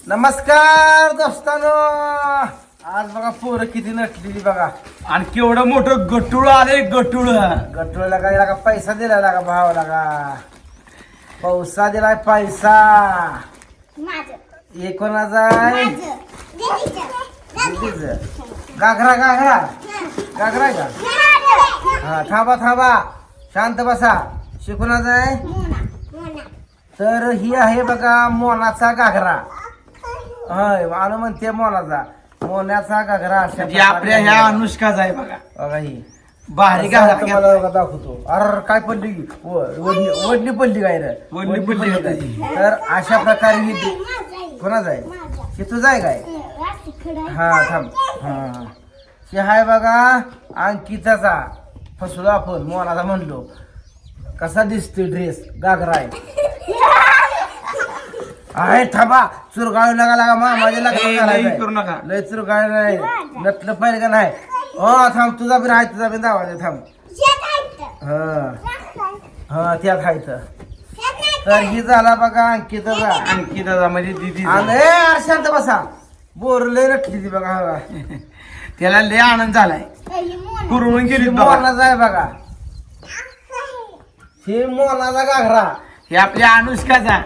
नमस्कार दोस्तानो. आज बघा पोरं किती नटलेली बघा. आणि केवढं मोठं गटुळ आले गटुळ. गटोला काय लागा पैसा दिला लागा भाव लागा. पैसा दिलाय पैसा. माझं एकोणाचा आहे माझं दीदीचं दीदीचं. घागरा घागरा घागरा आहे का? हा थांबा थांबा शांत बसा. शिकवणाचा आहे मोना मोना तर ही आहे बघा मोनाचा घागरा. होय मानू म्हणते मोनाचा. मोन्याचा घागरा अशा म्हणजे आपल्या ह्या अनुष्काचा आहे बघा. बघा ही भारी आता घाला तुम्हाला बघा दाखवतो. अर काय पडली की? वडली वडली पडली काय रे? वडली पडली काय? होती. तर अशा प्रकारे ही माझं आहे कोणाच आहे? माझं हे तुझं आहे काय? रात्री खडा हा थांब. हा हे आहे बघा अंकिताचा. फसलो आपण मोनाचा म्हणलो. कसा दिसतोय ड्रेस? घागरा आहे थांबा. चुरगाळू नका लागा माझ्या लई करू नका. लय चुरगाळ नाही. नटलं पाहिजे का नाही? हो थांब. तुझा बी आहे तुझा बी दावा दे थांब. शेत आहे हा हा त्यात आहे तर ही झाला बघा अंकिताचा. अंकिताचा म्हणजे दिदी. आणि शांत बसा. बोर लय नटली ती बघा. हा त्याला लय आनंद झालाय. कुरवून गेली बघा. मोनाचा आहे बघा. ही मोनाचा घागरा. हे आपल्या अनुष्काचा.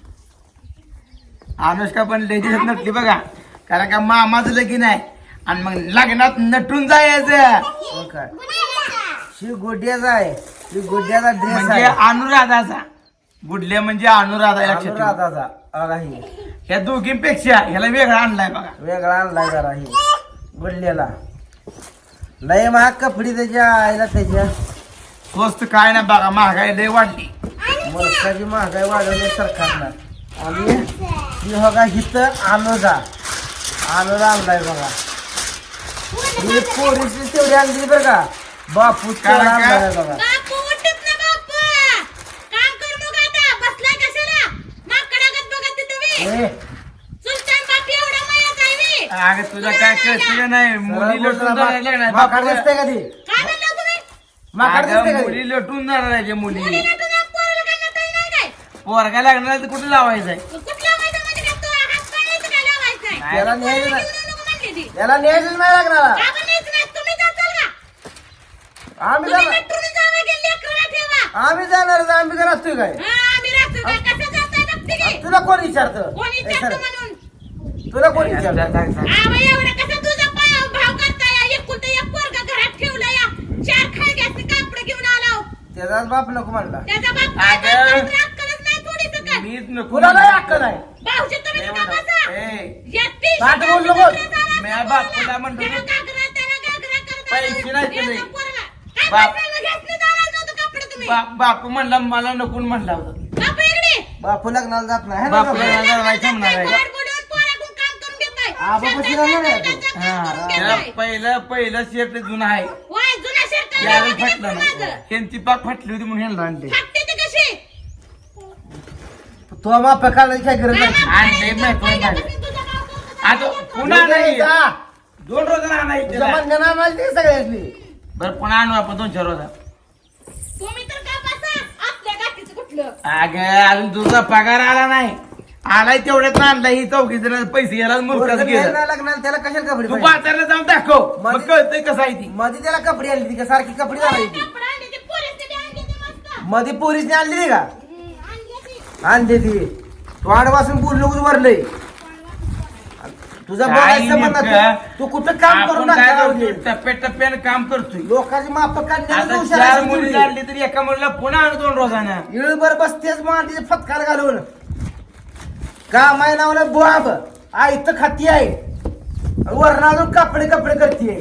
अनुष्का पण लय दिवसात नटली बघा. कारण का मामाचं लगीन आहे आणि मग लग्नात नटून जायचं. हो काय? ही गोड्याचा आहे. ही गोड्याचा ड्रेस म्हणजे आहे. अनुराधाचा. गुडले म्हणजे अनुराधा. लक्षात ठेवा. अनुराधाचा. बघा ही ह्या दोघींपेक्षा ह्याला वेगळा आणलाय बघा. वेगळा आणलाय जरा ही गुडल्याला. लय महाग कपडी त्याच्या आईला त्याच्या. स्वस्त काय ना बघा. महागाई लय वाढली. वर्षाची महागाई वाढवली सरकारनं. आणि ही बघा हिथं अनुजा आणलाय बघा. ही पोरीची तेवढी आणली बरं का. बापू कारण का? आणलाय बघा. बापू उठत ना बापू. काम करू नका आता. बसलाय कशाला? माकडागत बघत ते तुम्ही. ए, सुलतान बाप एवढा मायात आहे मी. अगं तुला काय कळतं का नाही? मुली सरळ लटून बोलतो जायला लागणार. माकड दिसते का ती? काय म्हणला तुम्ही? माकड दिसते अगं का ती? मुली लटून जाणार आहे मुली. मुलीला तुझ्या पोराला काय नटाई नाही काय? पोरगा लागणार तर कुठे लावायचंय? कुठला माहिती म्हणजे काय? तो हात पाण्याचं काय लावायचंय? त्याला न्यायचं घेऊन नाही. नको म्हणली ती. याला न्यायचंच नाही लागणार. का पण न्यायचं नाही? तुम्ही जाचाल का? आम्ही तुम्ही जाणार. नटून जावं गेली लेकराला ठेवा. आम्ही जाणार. आम्ही का नसतोय काय? हा, आम्ही राहतो काय? कसं जाताय बघते की? तुला कोण विचारतं? कोणी ए, विचारतं सर, म्हणून? तुला कोण विचारतं? आवा एवढं कसं तुझा भाव करताय? एकुलता एक पोरगा घरात ठेवला या. 4 खळग्याचं कापड घेऊन आला हो. त्याचाच बाप नको म्हणला. त्याचा बाप काय अगं. करतो? तुला अक्कलच नाही थोडीसं काय? मीच नको. तुला नाही अक्कल आहे. भाऊजी तुम्ही नाही का म्हणत. बसा? ए, या ती ताट शिकायची बोल नको. दुसऱ्या दारात म्या बोलला. बापूला म्हणतो त्याला तू. घागरा, त्याला घागरा करत पैसे आला. नाही तुले. याचा पोरगा. काय बाप. पैशाला घेतली दारात नव्हतं कपडे तुम्ही? बापू म्हणला मला नको म्हणला होता. बाप इकडे. बापू लग्नाला जात नाही है ना बापू बापू? लग्नाला नाही थांबणार आहे. बाहेर बोलवून पोराकडून काम करून घेताय. हा, बाबा शिरा नाही आहे तो. शेतात काम करून त्याला घेताय. पहिलं शर्ट जुना आहे. होय, जुन्या शर्टाला त्यावेळी लावा फाटलं की नाही. माझं. ह्यांची पाक फाटली होती म्हणून ह्यांना आणले. फाटते ती कशी? तो माप काढायची काय गरज नाही. आणले माहिती नाही. आता पुन्हा नाही. 2 रोजानं आणायचं. तुझ्या म्हणण्यानं आणायची सगळ्यातली. बरं पुन्हा आणू आपण 2-4 रोजा. तुम्ही तर का बसा आपल्या गाठीचं कुठलं? अगं अजून तुझा पगार आला नाही. आलाय तेवढ्यात आणला. ही चौकी जण पैसे गेला मुलगाच पोरगं गेला. नाही लग्नाला त्याला कशाला कपडे तू पाहिजे? बाजारला जाऊन दाखव. मग मध्ये- कळतंय कसं आहे ती. मध्ये त्याला कपडे आणली ती का सारखी कपडे घालायची? कपडा आणले ते पोरीसने बी आणले ते मस्त. मध्ये पोरीसने आणली नाही का? आणले ते. आणली ती. तू आडवासून बोललो वरलंय. तुझा काय बोलायचं म्हणत नेमकं? तू कुठं काम करून आपण काय टाकला करतोय? टप्प्याटप्प्यानं काम करतोय. लोकांची माप आता काढण्याला 4 मुली आणली तरी एका मुलीला पुन्हा आणू 2 रोजानं. इळभर बसतेच मांडीचे फटकार घालून. काम आहे नावलं बुआब. आई तर खाती आहे. वरण अजून कपडे कपडे करते.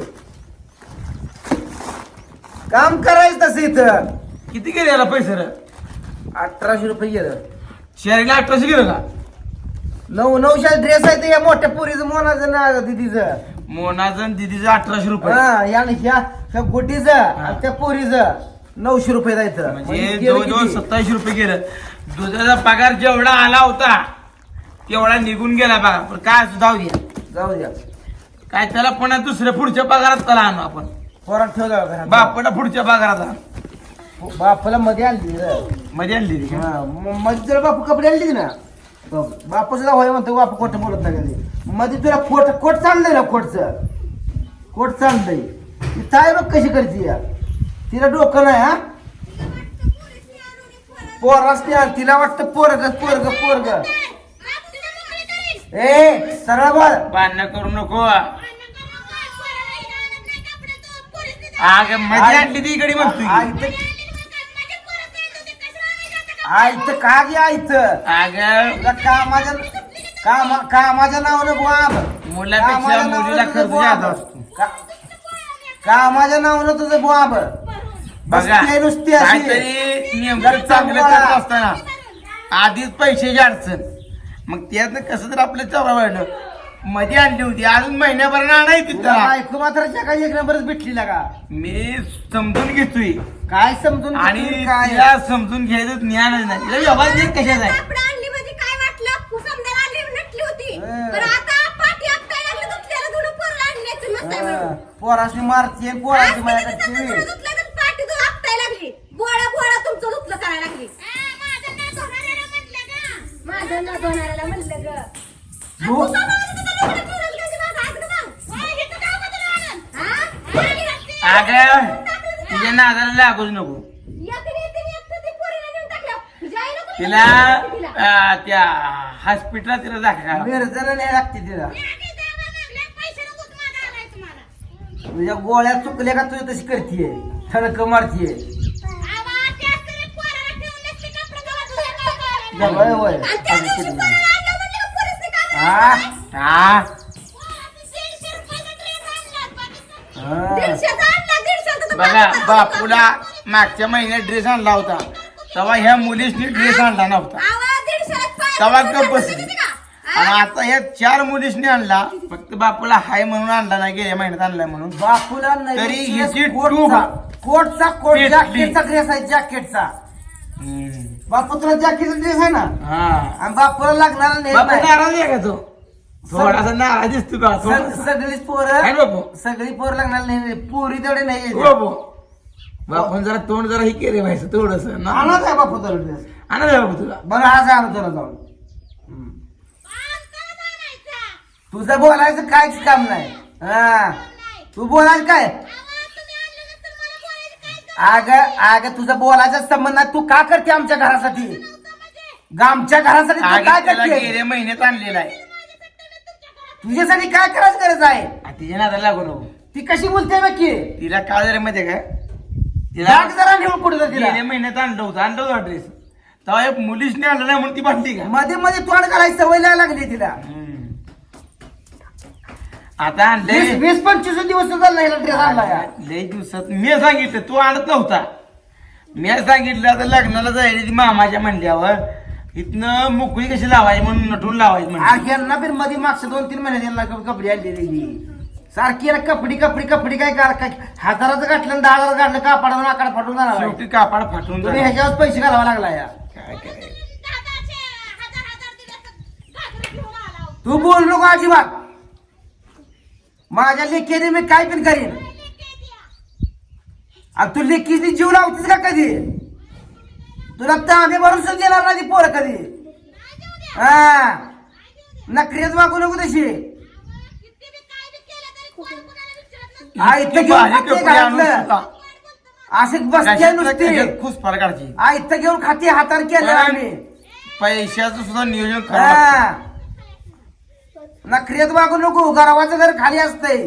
काम करायचं तसं इथं. किती गेले याला पैसे रे? 1800 रुपये गेलं. शहरीला 1800 गेलं का? 900 ड्रेस आहे ते या मोठ्या पोरीचं मोनाचं ना दिदीचं. मोनाजन दिदीचं 1800 रुपये. हा ह्या गोटीचं आणि त्या पोरीचं 900 रुपये जायचं. म्हणजे जवळजवळ 2700 रुपये गेलं. दुधाचा पगार जेवढा आला होता तेवढा निघून गेला बघा. पण काय असं जाऊ द्या. जाऊ द्या. काय त्याला पुन्हा दुसऱ्या पुढच्या पगारात त्याला आणू आपण. पोरात ठेव जाऊ घरात. बापाला पुढच्या पगारात आणू. बापाला मध्ये आणली रे. मध्ये आणली ती का? मध्ये जर बापू कपडे आणली ना बापू सुद्धा होय म्हणतो बापू खोटं बोलत नाही कधी मध्ये तुला कोट चाललंय ना कोट चाललंय ती ताई बघ कशी करते या तिला डोकं नाही हा पोरास तिला वाटतं पोरग ए सरळ बोल भांडणं करू नको अगं मजा आणली ती इकडे म्हणतोय आयत का गे आयत अगं कामाच्या नावानं बुवाब मुलापेक्षा मुलीला खर्च जास्त असतो कामाच्या नावानं तुझं बुवाब बघा नुसती अशी काहीतरी नेमकं चांगलं करत असताना आधीच पैशाची अडचण मग त्यातनं कसं तर आपलं चवरा वाढलं मध्ये आणली होती अजून महिन्याभर आणायची त्याला ऐकू मात्र जगाची एक नंबरच भेटली ना का मी समजून घेतोय काय समजून आणि घेतोय काय तिला समजून घ्यायचं ज्ञानच नाही तिला व्यवहार नाही कशाचा आहे कापड आणली म्हणजे काय वाटलं समजायला आणली नटली होती हं. पण आता पाठी आपटायला लागलं दुसऱ्याला धुणं पोरं आणण्याचं मस्त आहे म्हणून. पोराशी मारते आज पोराशी तुम्ही माझ्या तिचं धुणं धुतलं तर पाठी धुणं आपटायला लागली बोळा तुमचं धुतलं करायला लागली माझं न धुणाऱ्याला म्हणलं ग अगं तिच्या नादाला लागूच नको तिला त्या हॉस्पिटलला तिला दाखवा मिरजला नाही लागते तिला तुझ्या गोळ्या चुकल्या का तुझी तशी करतीये थडक मारतीये होय होय हा हा बघा बापूला मागच्या महिन्यात ड्रेस आणला होता तेव्हा ह्या मुलीसनी ड्रेस आणला नव्हता तेव्हा गप बसली आणि आता ह्या 4 मुलीसनी आणला फक्त बापूला हाय म्हणून आणला नाही गेल्या महिन्यात आणलाय म्हणून बापूला तरी हिची कोटचा पेटली. जॅकेटचा ड्रेस आहे जॅकेटचा बापू तुला जॅकेटचा ड्रेस आहे ना हा आणि बापूला लागणार नाही बापू नाराज आहे का तो थोडासा नाराज दिसतो का सगळीच आहे पोरं बापू सगळी पोरं लागणार नाही पोरी तेवढे नाही बापू बापून जरा तोंड जरा ही केले व्हायचं थोडस आणत आहे बापू तुला ड्रेस आणा द्या बापू तुला बरं आज आणू तुला जाऊन तुझं बोलायचं काहीच काम नाही हा तू बोलायचं काय अग तुझं बोलायचा संबंध नाही तू का करते आमच्या घरासाठी आमच्या घरासाठी तू काय त्याला करते गेल्या महिन्यात आणलेला आहे तुझ्यासाठी काय करायची गरज आहे तिच्या नादाला लागू नको ती कशी बोलते बाकी तिला काय जरा माहितीये का राग जरा नेऊन कुठे तिला गेल्या महिन्यात आणलं होतं ड्रेस तेव्हा एक मुलीसने आणलं नाही म्हणून ती भांडली का मध्ये मध्ये तोंड करायची सवय लागली तिला आता आणले 20-25 दिवस झाला ड्रेस आणला या. लय दिवसात मी सांगितलं तू आणत नव्हता मी सांगितलं आता लग्नाला जायला ती मामाच्या म्हणल्यावर इथनं मोकळी कशी लावायची म्हणून नटून लावायची म्हणजे यांना पण मध्ये मागच्या 2-3 महिन्यात यांना कपडे आणलेली सारखी याला कपडी काय हजाराचं गाठलं 10,000 गाठलं कापडाचं आकडा फाटून जाणार आहे. शेवटी कापड फाटून तुम्ही जाणार. ह्याच्यावर पैसे घालावा लागला या काय करायचं तू बोल नको अजिबात माझ्या लेकीने मी काय पण करीन आणि तू लेकीने जीव लावतीस का कधी तुला तांबे भरून देणार नाही ती पोरं कधी हा नखरेच वागू नको तशी असे बसते नुसते खुश काढची आयत घेऊन खाते हाताने केलं आम्ही पैशाचं सुद्धा नियोजन करा हा नखरेत वागू नको गरवाचं घर खाली असतंय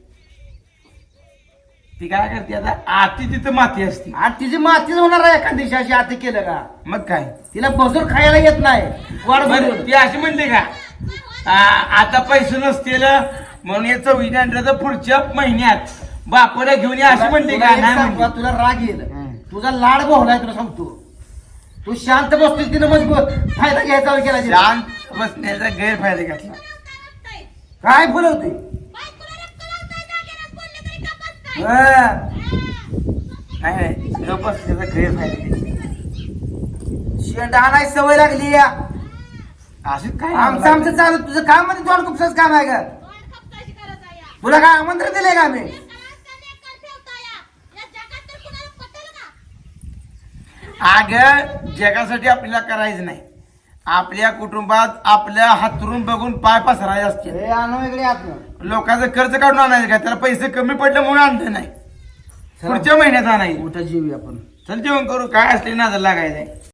ती काय करते आता आती तिथं माती असते आणि तिची मातीच होणार आहे एका दिवशी आता केलं का मग काय तिला बसून खायला येत नाही वाढ बरं, ती अशी म्हणते का आता पैसे नसतील म्हणून या 24 आणलं पुढच्या महिन्यात बापाला घेऊन ये अशी म्हणते का नाही म्हणते. तुला राग येईल तुझा लाड बोहलाय तुला सांगतो तू शांत बसतोय तिने मजबूत फायदा घ्यायचा केला तिला. शांत बसण्याचा गैरफायदा घेतला काय बोलवते नाही न बसण्याचा गैरफायदा घेतला शेंडा आणायची सवय लागली या असं काय आमचं चालू तुझं काम म्हणजे तोंड कुपसाच काम आहे का तुला काय आमंत्रण दिलंय का आम्ही अग जगासाठी आपल्याला करायचं नाही आपल्या कुटुंबात आपल्या हातरून बघून पाय पसरायचे असते हे आणू इकडे आतनं. लोकांचं खर्च काढून आणायचं का त्याला पैसे कमी पडले म्हणून आणलं नाही पुढच्या महिन्यात आणायचं उठा जेवी आपण. चल जेवण करू काय असले नाजर लागायचंय